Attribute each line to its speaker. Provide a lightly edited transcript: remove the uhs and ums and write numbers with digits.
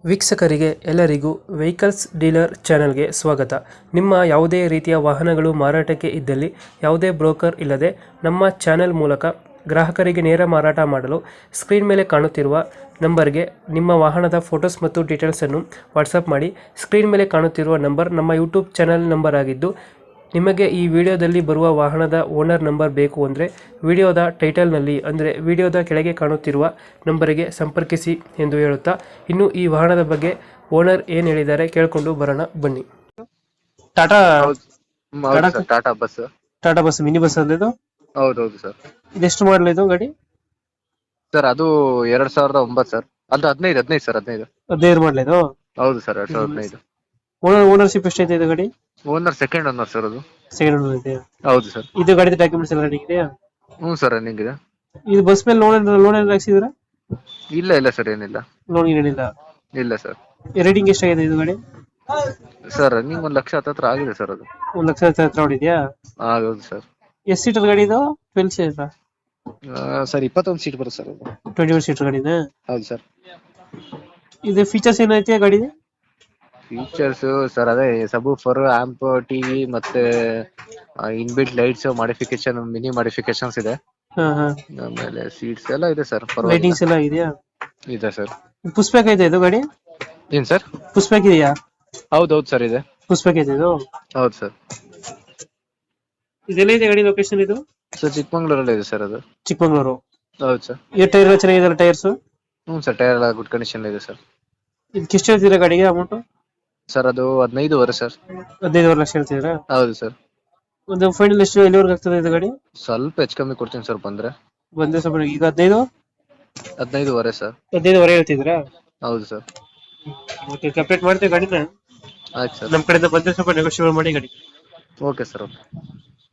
Speaker 1: ವೀಕ್ಷಕರಿಗೆ ಎಲ್ಲರಿಗೂ vehicles dealer ಚಾನೆಲ್ಗೆ ಸ್ವಾಗತ. ನಿಮ್ಮ ಯಾವುದೇ ರೀತಿಯ ವಾಹನಗಳು ಮಾರಾಟಕ್ಕೆ ಇದ್ದಲ್ಲಿ ಯಾವುದೇ ಬ್ರೋಕರ್ ಇಲ್ಲದೆ ನಮ್ಮ ಚಾನೆಲ್ ಮೂಲಕ ಗ್ರಾಹಕರಿಗೆ ನೇರ ಮಾರಾಟ ಮಾಡಲು ಸ್ಕ್ರೀನ್ ಮೇಲೆ ಕಾಣುತ್ತಿರುವ ನಂಬರ್ಗೆ ನಿಮ್ಮ ವಾಹನದ ಫೋಟೋಸ್ ಮತ್ತು ಡೀಟೇಲ್ಸನ್ನು ವಾಟ್ಸಪ್ ಮಾಡಿ. ಸ್ಕ್ರೀನ್ ಮೇಲೆ ಕಾಣುತ್ತಿರುವ ನಂಬರ್ ನಮ್ಮ ಯೂಟ್ಯೂಬ್ ಚಾನೆಲ್ ನಂಬರ್ ಆಗಿದ್ದು, ನಿಮಗೆ ಈ ವಿಡಿಯೋದಲ್ಲಿ ಬರುವ ವಾಹನದ ಓನರ್ ನಂಬರ್ ಬೇಕು ಅಂದರೆ ವಿಡಿಯೋದ ಟೈಟಲ್ನಲ್ಲಿ ಅಂದರೆ ವಿಡಿಯೋದ ಕೆಳಗೆ ಕಾಣುತ್ತಿರುವ ನಂಬರಿಗೆ ಸಂಪರ್ಕಿಸಿ ಎಂದು ಹೇಳುತ್ತಾ, ಇನ್ನು ಈ ವಾಹನದ ಬಗ್ಗೆ ಓನರ್ ಏನು ಹೇಳಿದ್ದಾರೆ ಕೇಳಿಕೊಂಡು ಬರೋಣ ಬನ್ನಿ. ಟಾಟಾ
Speaker 2: ಹೌದು sir, Tata bus.
Speaker 1: Tata bus mini bus ಅಂದ್ರೆ ಇದು
Speaker 2: ಹೌದೌದು ಸರ್.
Speaker 1: ಇದೆಷ್ಟು ಮಾಡಲ್ ಇದು ಗಾಡಿ?
Speaker 2: ಸರ್ ಅದು 2009 ಸರ್. ಅದು 15 ಸರ್, 15.
Speaker 1: 15 ಮಾಡಲ್ ಇದು?
Speaker 2: ಹೌದು ಸರ್, 2015.
Speaker 1: ಓನರ್ಶಿಪ್ ಎಷ್ಟೈತೆ ಇದು ಗಾಡಿ?
Speaker 2: ಓನರ್ ಸೆಕೆಂಡ್ ಓನರ್ ಸರ್ ಅದು.
Speaker 1: ಸೆಕೆಂಡ್ ಓನರ್ ಇದೆ.
Speaker 2: ಹೌದು ಸರ್.
Speaker 1: ಇದು ಗಾಡಿ ಡಾಕ್ಯುಮೆಂಟ್ಸ್ ಎಲ್ಲ ರೆಡಿ ಇದೆಯಾ?
Speaker 2: ಹ್ಞೂ ಸರ್, ರನ್ನಿಂಗ್ ಇದೆ.
Speaker 1: ಇದು ಬಸ್ ಮೇಲೆ ಲೋನ್ ಏನಾದ್ರು ಹಾಕ್ಸಿದ್ರ?
Speaker 2: ಇಲ್ಲ ಸರ್, ಏನಿಲ್ಲ.
Speaker 1: ಲೋನ್ ಏನಿಲ್ಲ.
Speaker 2: ಇಲ್ಲ ಸರ್.
Speaker 1: ರೇಟಿಂಗ್ ಎಷ್ಟಾಗಿದೆ ಇದು ಗಾಡಿ?
Speaker 2: ಸರ್ ರನ್ನಿಂಗ್ 1,00,000 ಹತ್ರ ಆಗಿದೆ ಸರ್ ಅದು.
Speaker 1: 1,00,000 ಹತ್ರ ಹೊಡಿದ್ಯಾ?
Speaker 2: ಹೌದು ಸರ್.
Speaker 1: ಎಷ್ಟು ಸೀಟರ್ ಗಾಡಿ ಇದು? 12 ಸೀಟರ್?
Speaker 2: ಸರ್ 21 ಸೀಟ್ ಬರುತ್ತೆ ಸರ್ ಅದು.
Speaker 1: 21 ಸೀಟರ್ ಗಾಡಿನ?
Speaker 2: ಹೌದು ಸರ್.
Speaker 1: ಇದು ಫೀಚರ್ಸ್ ಏನೈತೆ ಗಾಡಿ?
Speaker 2: ಫೀಚರ್ಸ್ ಸರ್ ಅದೇ ಸಬ್-ವೂಫರ್, ಆಂಪ್, ಟಿವಿ ಮತ್ತೆ inbuilt lights modification, mini modifications ಇದೆ. ಆಮೇಲೆ ಸೀಟ್ಸ್ ಎಲ್ಲ ಇದೆ ಸರ್.
Speaker 1: ಲೈಟಿಂಗ್ಸ್ ಎಲ್ಲ ಇದೆಯಾ?
Speaker 2: ಇದೆ ಸರ್.
Speaker 1: ಪುಷ್ ಬ್ಯಾಕ್ ಐತೆ ಇದು ಗಾಡಿ?
Speaker 2: ಏನ್ ಸರ್?
Speaker 1: ಪುಷ್ ಬ್ಯಾಕ್ ಇದೆಯಾ?
Speaker 2: ಹೌದೌದು ಸರ್, ಇದೆ.
Speaker 1: ಪುಷ್ ಬ್ಯಾಕ್ ಐತೆ ಇದು?
Speaker 2: ಹೌದು ಸರ್.
Speaker 1: ಇದೆಲ್ಲ ಇದೆ ಗಾಡಿ ಲೊಕೇಶನ್ ಇದು?
Speaker 2: ಸರ್ ಚಿಕ್ಕಮಂಗ್ಳೂರಲ್ಲಿ ಇದೆ ಸರ್ ಅದು.
Speaker 1: ಚಿಕ್ಕಮಂಗ್ಳೂರು?
Speaker 2: ಹೌದು ಸರ್.
Speaker 1: ಈ ಟೈರ್ ಎಲ್ಲ ಚೆನ್ನಾಗಿದೆಲ್ಲ ಟೈರ್ಸ್?
Speaker 2: ಹ್ಞೂ ಸರ್, ಟೈರ್ ಎಲ್ಲ ಗುಡ್ ಕಂಡೀಷನ್ ಇದೆ ಸರ್.
Speaker 1: ಇದಕ್ಕೆ ಎಷ್ಟು ಹೇಳ್ತೀರಾ ಗಾಡಿಗೆ ಅಮೌಂಟ್?
Speaker 2: ಸರ್ ಅದು 15 ಸರ್.
Speaker 1: 15 ಲಕ್ಷ ಹೇಳ್ತಿದ್ದೀರಾ?
Speaker 2: ಹೌದು ಸರ್.
Speaker 1: ಒಂದು ಫೈನಲ್ ಎಷ್ಟು ಎಲ್ಲಿವರೆಗೆ ಆಗ್ತದೆ ಇದು ಗಾಡಿ?
Speaker 2: ಸ್ವಲ್ಪ ಹೆಚ್ಚು ಕಮ್ಮಿ ಕೊಡ್ತೀನಿ ಸರ್ ಬಂದ್ರೆ.
Speaker 1: ಬಂದ್ರೆ ಸ್ವಲ್ಪ ಈಗ 15?
Speaker 2: 15 ಸರ್.
Speaker 1: 15 ಹೇಳ್ತಿದ್ದೀರಾ?
Speaker 2: ಹೌದು ಸರ್.
Speaker 1: ಓಕೆ, ಕಂಪ್ಲೀಟ್ ಮಾಡ್ತೀವಿ ಗಾಡಿನ.
Speaker 2: ಆಯ್ತು ಸರ್.
Speaker 1: ನಮ್ಮ ಕಡೆಯಿಂದ ಬಂದ್ರೆ ಸ್ವಲ್ಪ ನೆಗೋಷಿಯೇಟ್ ಮಾಡಿ ಗಾಡಿ.
Speaker 2: Okay sir, okay.